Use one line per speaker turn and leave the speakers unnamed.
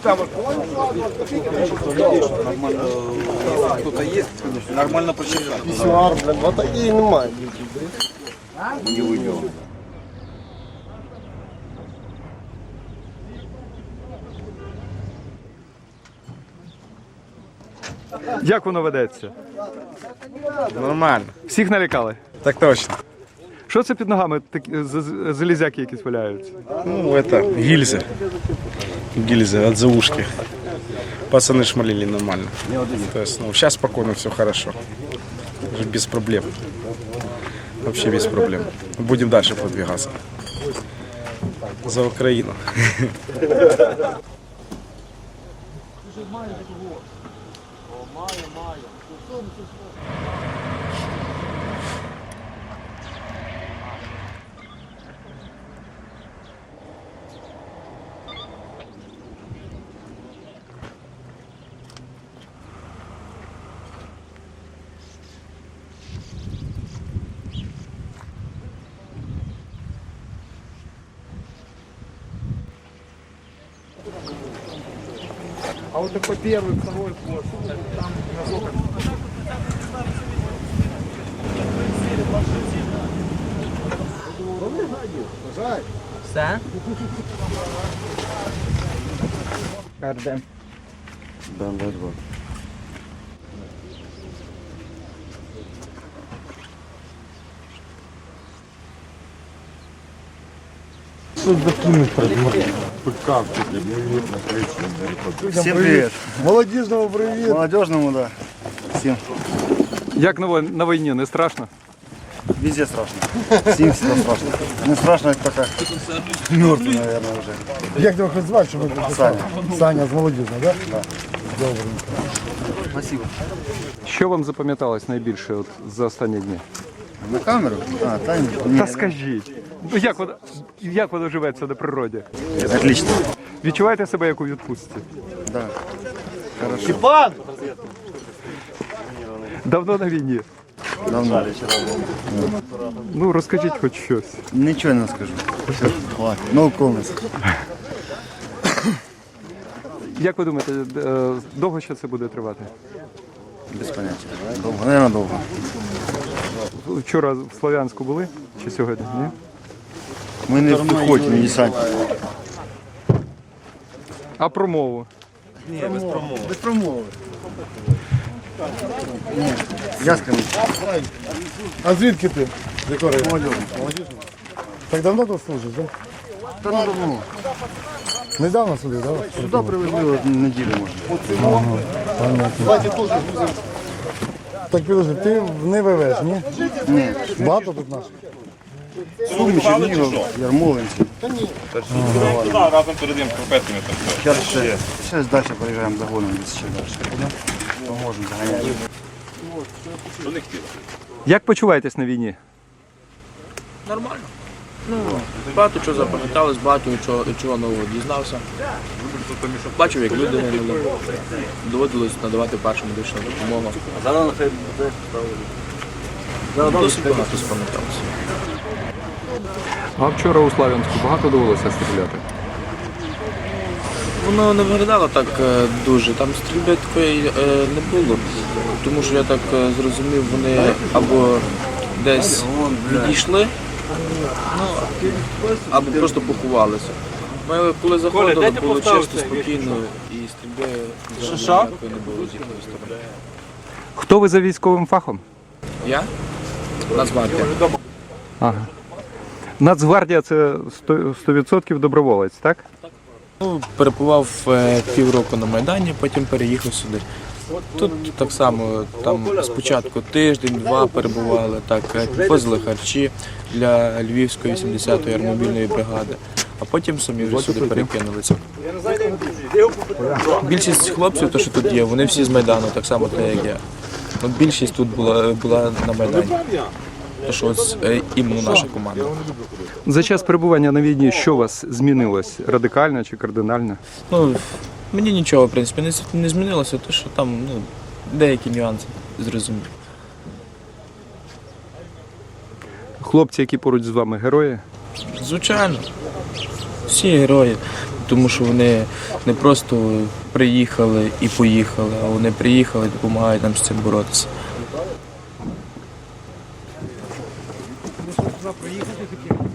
Кто-то есть, нормально посчитать.
Пісюар, блін, вот такие немає.
Не уйдем.
Як воно ведеться?
Нормально.
Всіх налякали?
Так точно.
Що це під ногами такі залізяки якісь валяються?
Ну, это гильзы. Гильзы от заушки. Пацаны шмалили нормально. То есть, ну, сейчас спокойно, все хорошо. Уже без проблем. Вообще без проблем. Будем дальше продвигаться. За Украину.
А вот такой первый, второй пост, там насколько? Все? Кардем.
Всем привет.
Молодежному привет.
Молодежному, да. Всем.
Як на війні, не страшно?
Везде страшно. Всем всегда страшно. Не страшно, это только мертвый, наверное, уже.
Як тебе хоч звати, щоб ви
Саня.
Саня з молодіжного, так? Да?
Спасибо.
Що вам запам'яталось найбільше от за останні дні?
На камеру? А, там
Та скажіть, ну як воно живеться на природі?
Отлично.
Відчуваєте себе як у відпустці?
Да. Хорошо.
Давно на війні?
Давно.
Ну розкажіть хоч щось.
Ничего не скажу. Все, хватит. No comments.
Як ви думаєте, довго ще це буде тривати?
Без понятия. Долго, наверное, долго.
Вчора в Слов'янську були чи сьогодні? Ні?
Мы не в пехоте, не десанте.
А про мову?
Без промови. Ні, я скажу.
А звідки ти? З якого району? Молодіжного. Так давно тут служиш, так?
Та ну давно.
Недавно сюди, так?
Сюди привезли от неділю, може.
Так підожди, ти не вивез, ні?
Ні.
Багато тут наших?
Суми, Чернігов, Ярмолинці.
Разом передаємо шкарпетками там все.
Зараз далі приїжджаємо до Гону, десь ще далі. Поможемо, заганяємо.
Як почуваєтесь на війні?
Нормально. Ну, багато чого запам'яталось, багато чого нового дізнався. Бачив, як люди гинули. Доводилось надавати першу медичну допомогу. Досить багато запам'яталося.
А вчора у Слов'янську багато довелося стріляти?
Воно не виглядало так дуже. Там стрільби такої не було, тому що я так зрозумів, вони або десь відійшли, ну, або просто поховалися. Ми коли заходили, було чисто, спокійно і стрільби взагалі ніякої не було з їхньої сторони.
Хто ви за військовим фахом?
Я? Нацгвардія.
Ага. Нацгвардія – це 100% доброволець, так?
Перебував півроку на Майдані, потім переїхав сюди. Тут так само, там спочатку тиждень-два перебували, так, підвозили харчі для Львівської 80-ї аеромобільної бригади, а потім самі вже сюди перекинулися. Більшість хлопців, то, що тут є, вони всі з Майдану, так само, як я. От більшість тут була на Майдані. То, що ось іменно наша команда.
За час перебування на війні що у вас змінилось? Радикально чи кардинально?
Ну, мені нічого, в принципі, не змінилося, то що там деякі нюанси зрозумів.
Хлопці, які поруч з вами, герої?
Звичайно, всі герої. тому що вони не просто приїхали і поїхали, а вони приїхали і допомагають нам з цим боротися.
Проїхати таке.